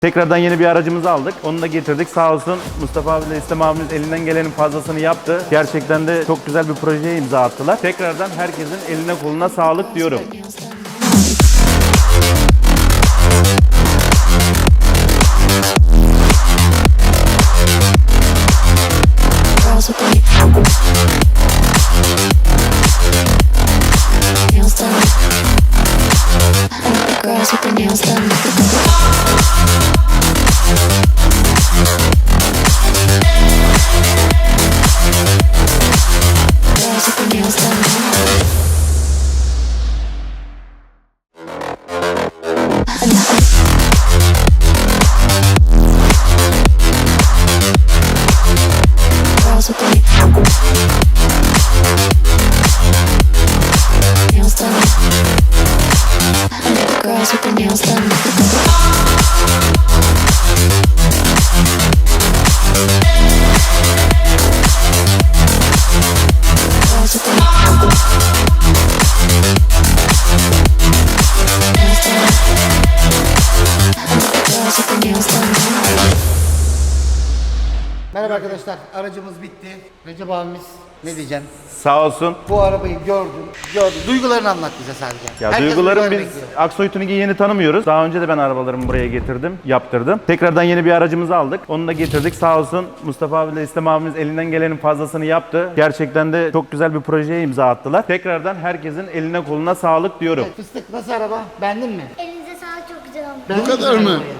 Tekrardan yeni bir aracımızı aldık. Onu da getirdik. Sağ olsun Mustafa abiyle İslam abimiz elinden gelenin fazlasını yaptı. Gerçekten de çok güzel bir projeye imza attılar. Tekrardan herkesin eline koluna sağlık diyorum. Girls with their nails done. Girls with their nails done. Girls with their nails done. Girls with their nails done. Girls with their nails done. Girls with their nails done. Merhaba arkadaşlar, aracımız bitti. Recep abimiz ne diyeceğim? Sağ olsun. Bu arabayı gördüm. Duygularını anlat bize sadece. Ya Herkes duygularım, duyguları biz bekliyor. Aksoy Tuning'i yeni tanımıyoruz. Daha önce de ben arabalarımı buraya getirdim, yaptırdım. Tekrardan yeni bir aracımızı aldık. Onu da getirdik. Sağ olsun Mustafa abiyle İslam abimiz elinden gelenin fazlasını yaptı. Gerçekten de çok güzel bir projeye imza attılar. Tekrardan herkesin eline koluna sağlık diyorum. Evet, Fıstık nasıl araba? Beğendin mi? Elinize sağlık, çok güzel olmuş. Beğendin Bu kadar mi mı? arabayı?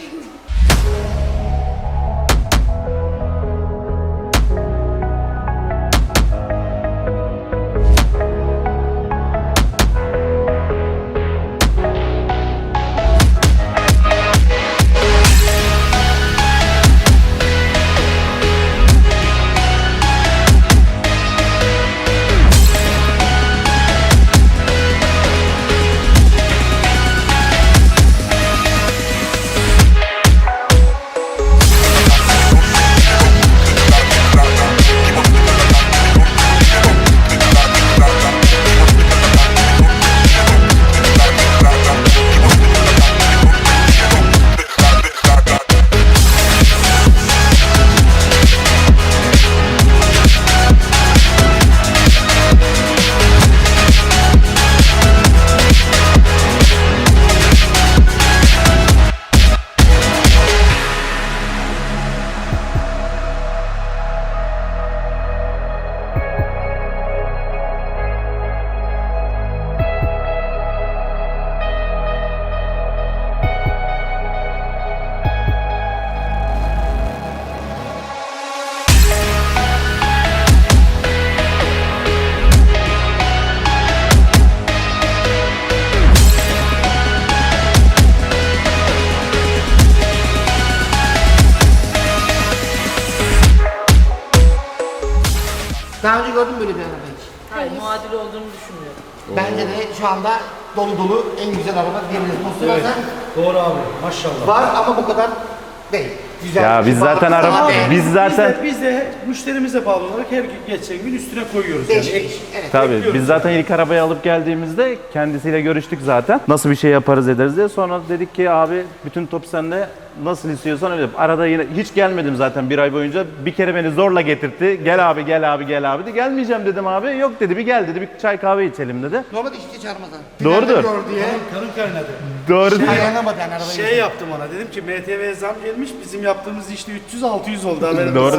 Daha önce gördün mü böyle bir araba hiç? Hayır, muadil olduğunu düşünmüyorum. Bence de şu anda dolu dolu en güzel araba diyebiliriz. Mustafa Evet. sen Doğru abi. Maşallah. var ama bu kadar değil. Güzel. Ya biz zaten Daha araba, beğendim. biz zaten Biz de müşterimize bağlı olarak her gün geçen gün üstüne koyuyoruz. Değişik. Yani Evet. tabii bekliyoruz. biz zaten ilk arabayı alıp geldiğimizde kendisiyle görüştük zaten. Nasıl bir şey yaparız ederiz diye. Sonra dedik ki abi bütün top sende, nasıl istiyorsan öyle yap. Arada yine hiç gelmedim zaten bir ay boyunca. Bir kere beni zorla getirtti. Gel abi gel abi gel abi dedi. Gelmeyeceğim dedim abi. Yok dedi, bir gel dedi. Bir çay kahve içelim dedi. Normalde hiç çağırmadan. Doğrudur. Finalde gör diye. Kanım kaynadı. Doğru. Dayanamadı yani arabayı. Şey yaptım ona, dedim ki MTV zam gelmiş, bizim yaptığımız işte 300-600 oldu haberimiz. Doğru.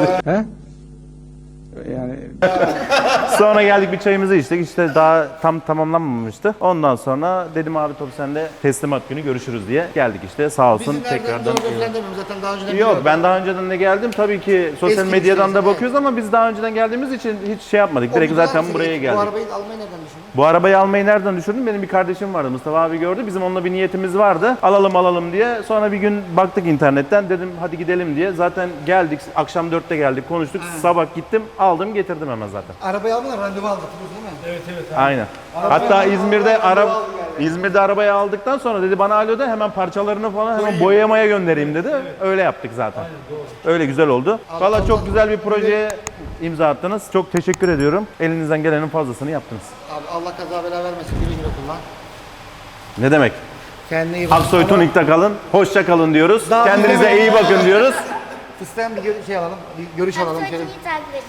Yani Sonra geldik bir çayımızı içtik. İşte daha tam tamamlanmamıştı. Ondan sonra dedim abi top sende, teslimat günü görüşürüz diye geldik işte. Sağ olsun Bizim tekrardan. Doğru falan demiyorum zaten daha önceden Yok, biliyordum. ben daha önceden de geldim. Tabii ki sosyal Eski medyadan da müşterisi, bakıyoruz ama biz daha önceden geldiğimiz için hiç şey yapmadık. O Direkt güzel zaten bir buraya şey. geldik. Bu arabayı almayı nereden düşündün? Bu arabayı almayı nereden düşündüm? Benim bir kardeşim vardı. Mustafa abi gördü. Bizim onunla bir niyetimiz vardı. Alalım diye. Sonra bir gün baktık internetten. Dedim hadi gidelim diye. Zaten geldik. Akşam 4'te geldik. Konuştuk. Sabah gittim. Aldım getirdim hemen zaten. Arabayı almadan randevu aldık biliyorsun değil mi? Evet. Aynen. Hatta İzmir'de arabayı aldıktan sonra dedi bana alo de, hemen parçalarını falan hemen boyamaya göndereyim dedi. Öyle yaptık zaten. Öyle güzel oldu. Valla çok güzel bir projeye imza attınız. Çok teşekkür ediyorum. Elinizden gelenin fazlasını yaptınız. Abi Allah kaza bela vermesin, güle güle kullan. Ne demek? Kendine iyi bakın. Aksoy Ama Tunik'te kalın. Hoşça kalın diyoruz. Daha Kendinize bilemedim. iyi bakın diyoruz. Fıstıktan bir şey alalım. Bir görüş alalım. Şöyle. Aksoy'u takip edin.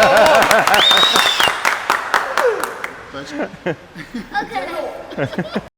O kadar.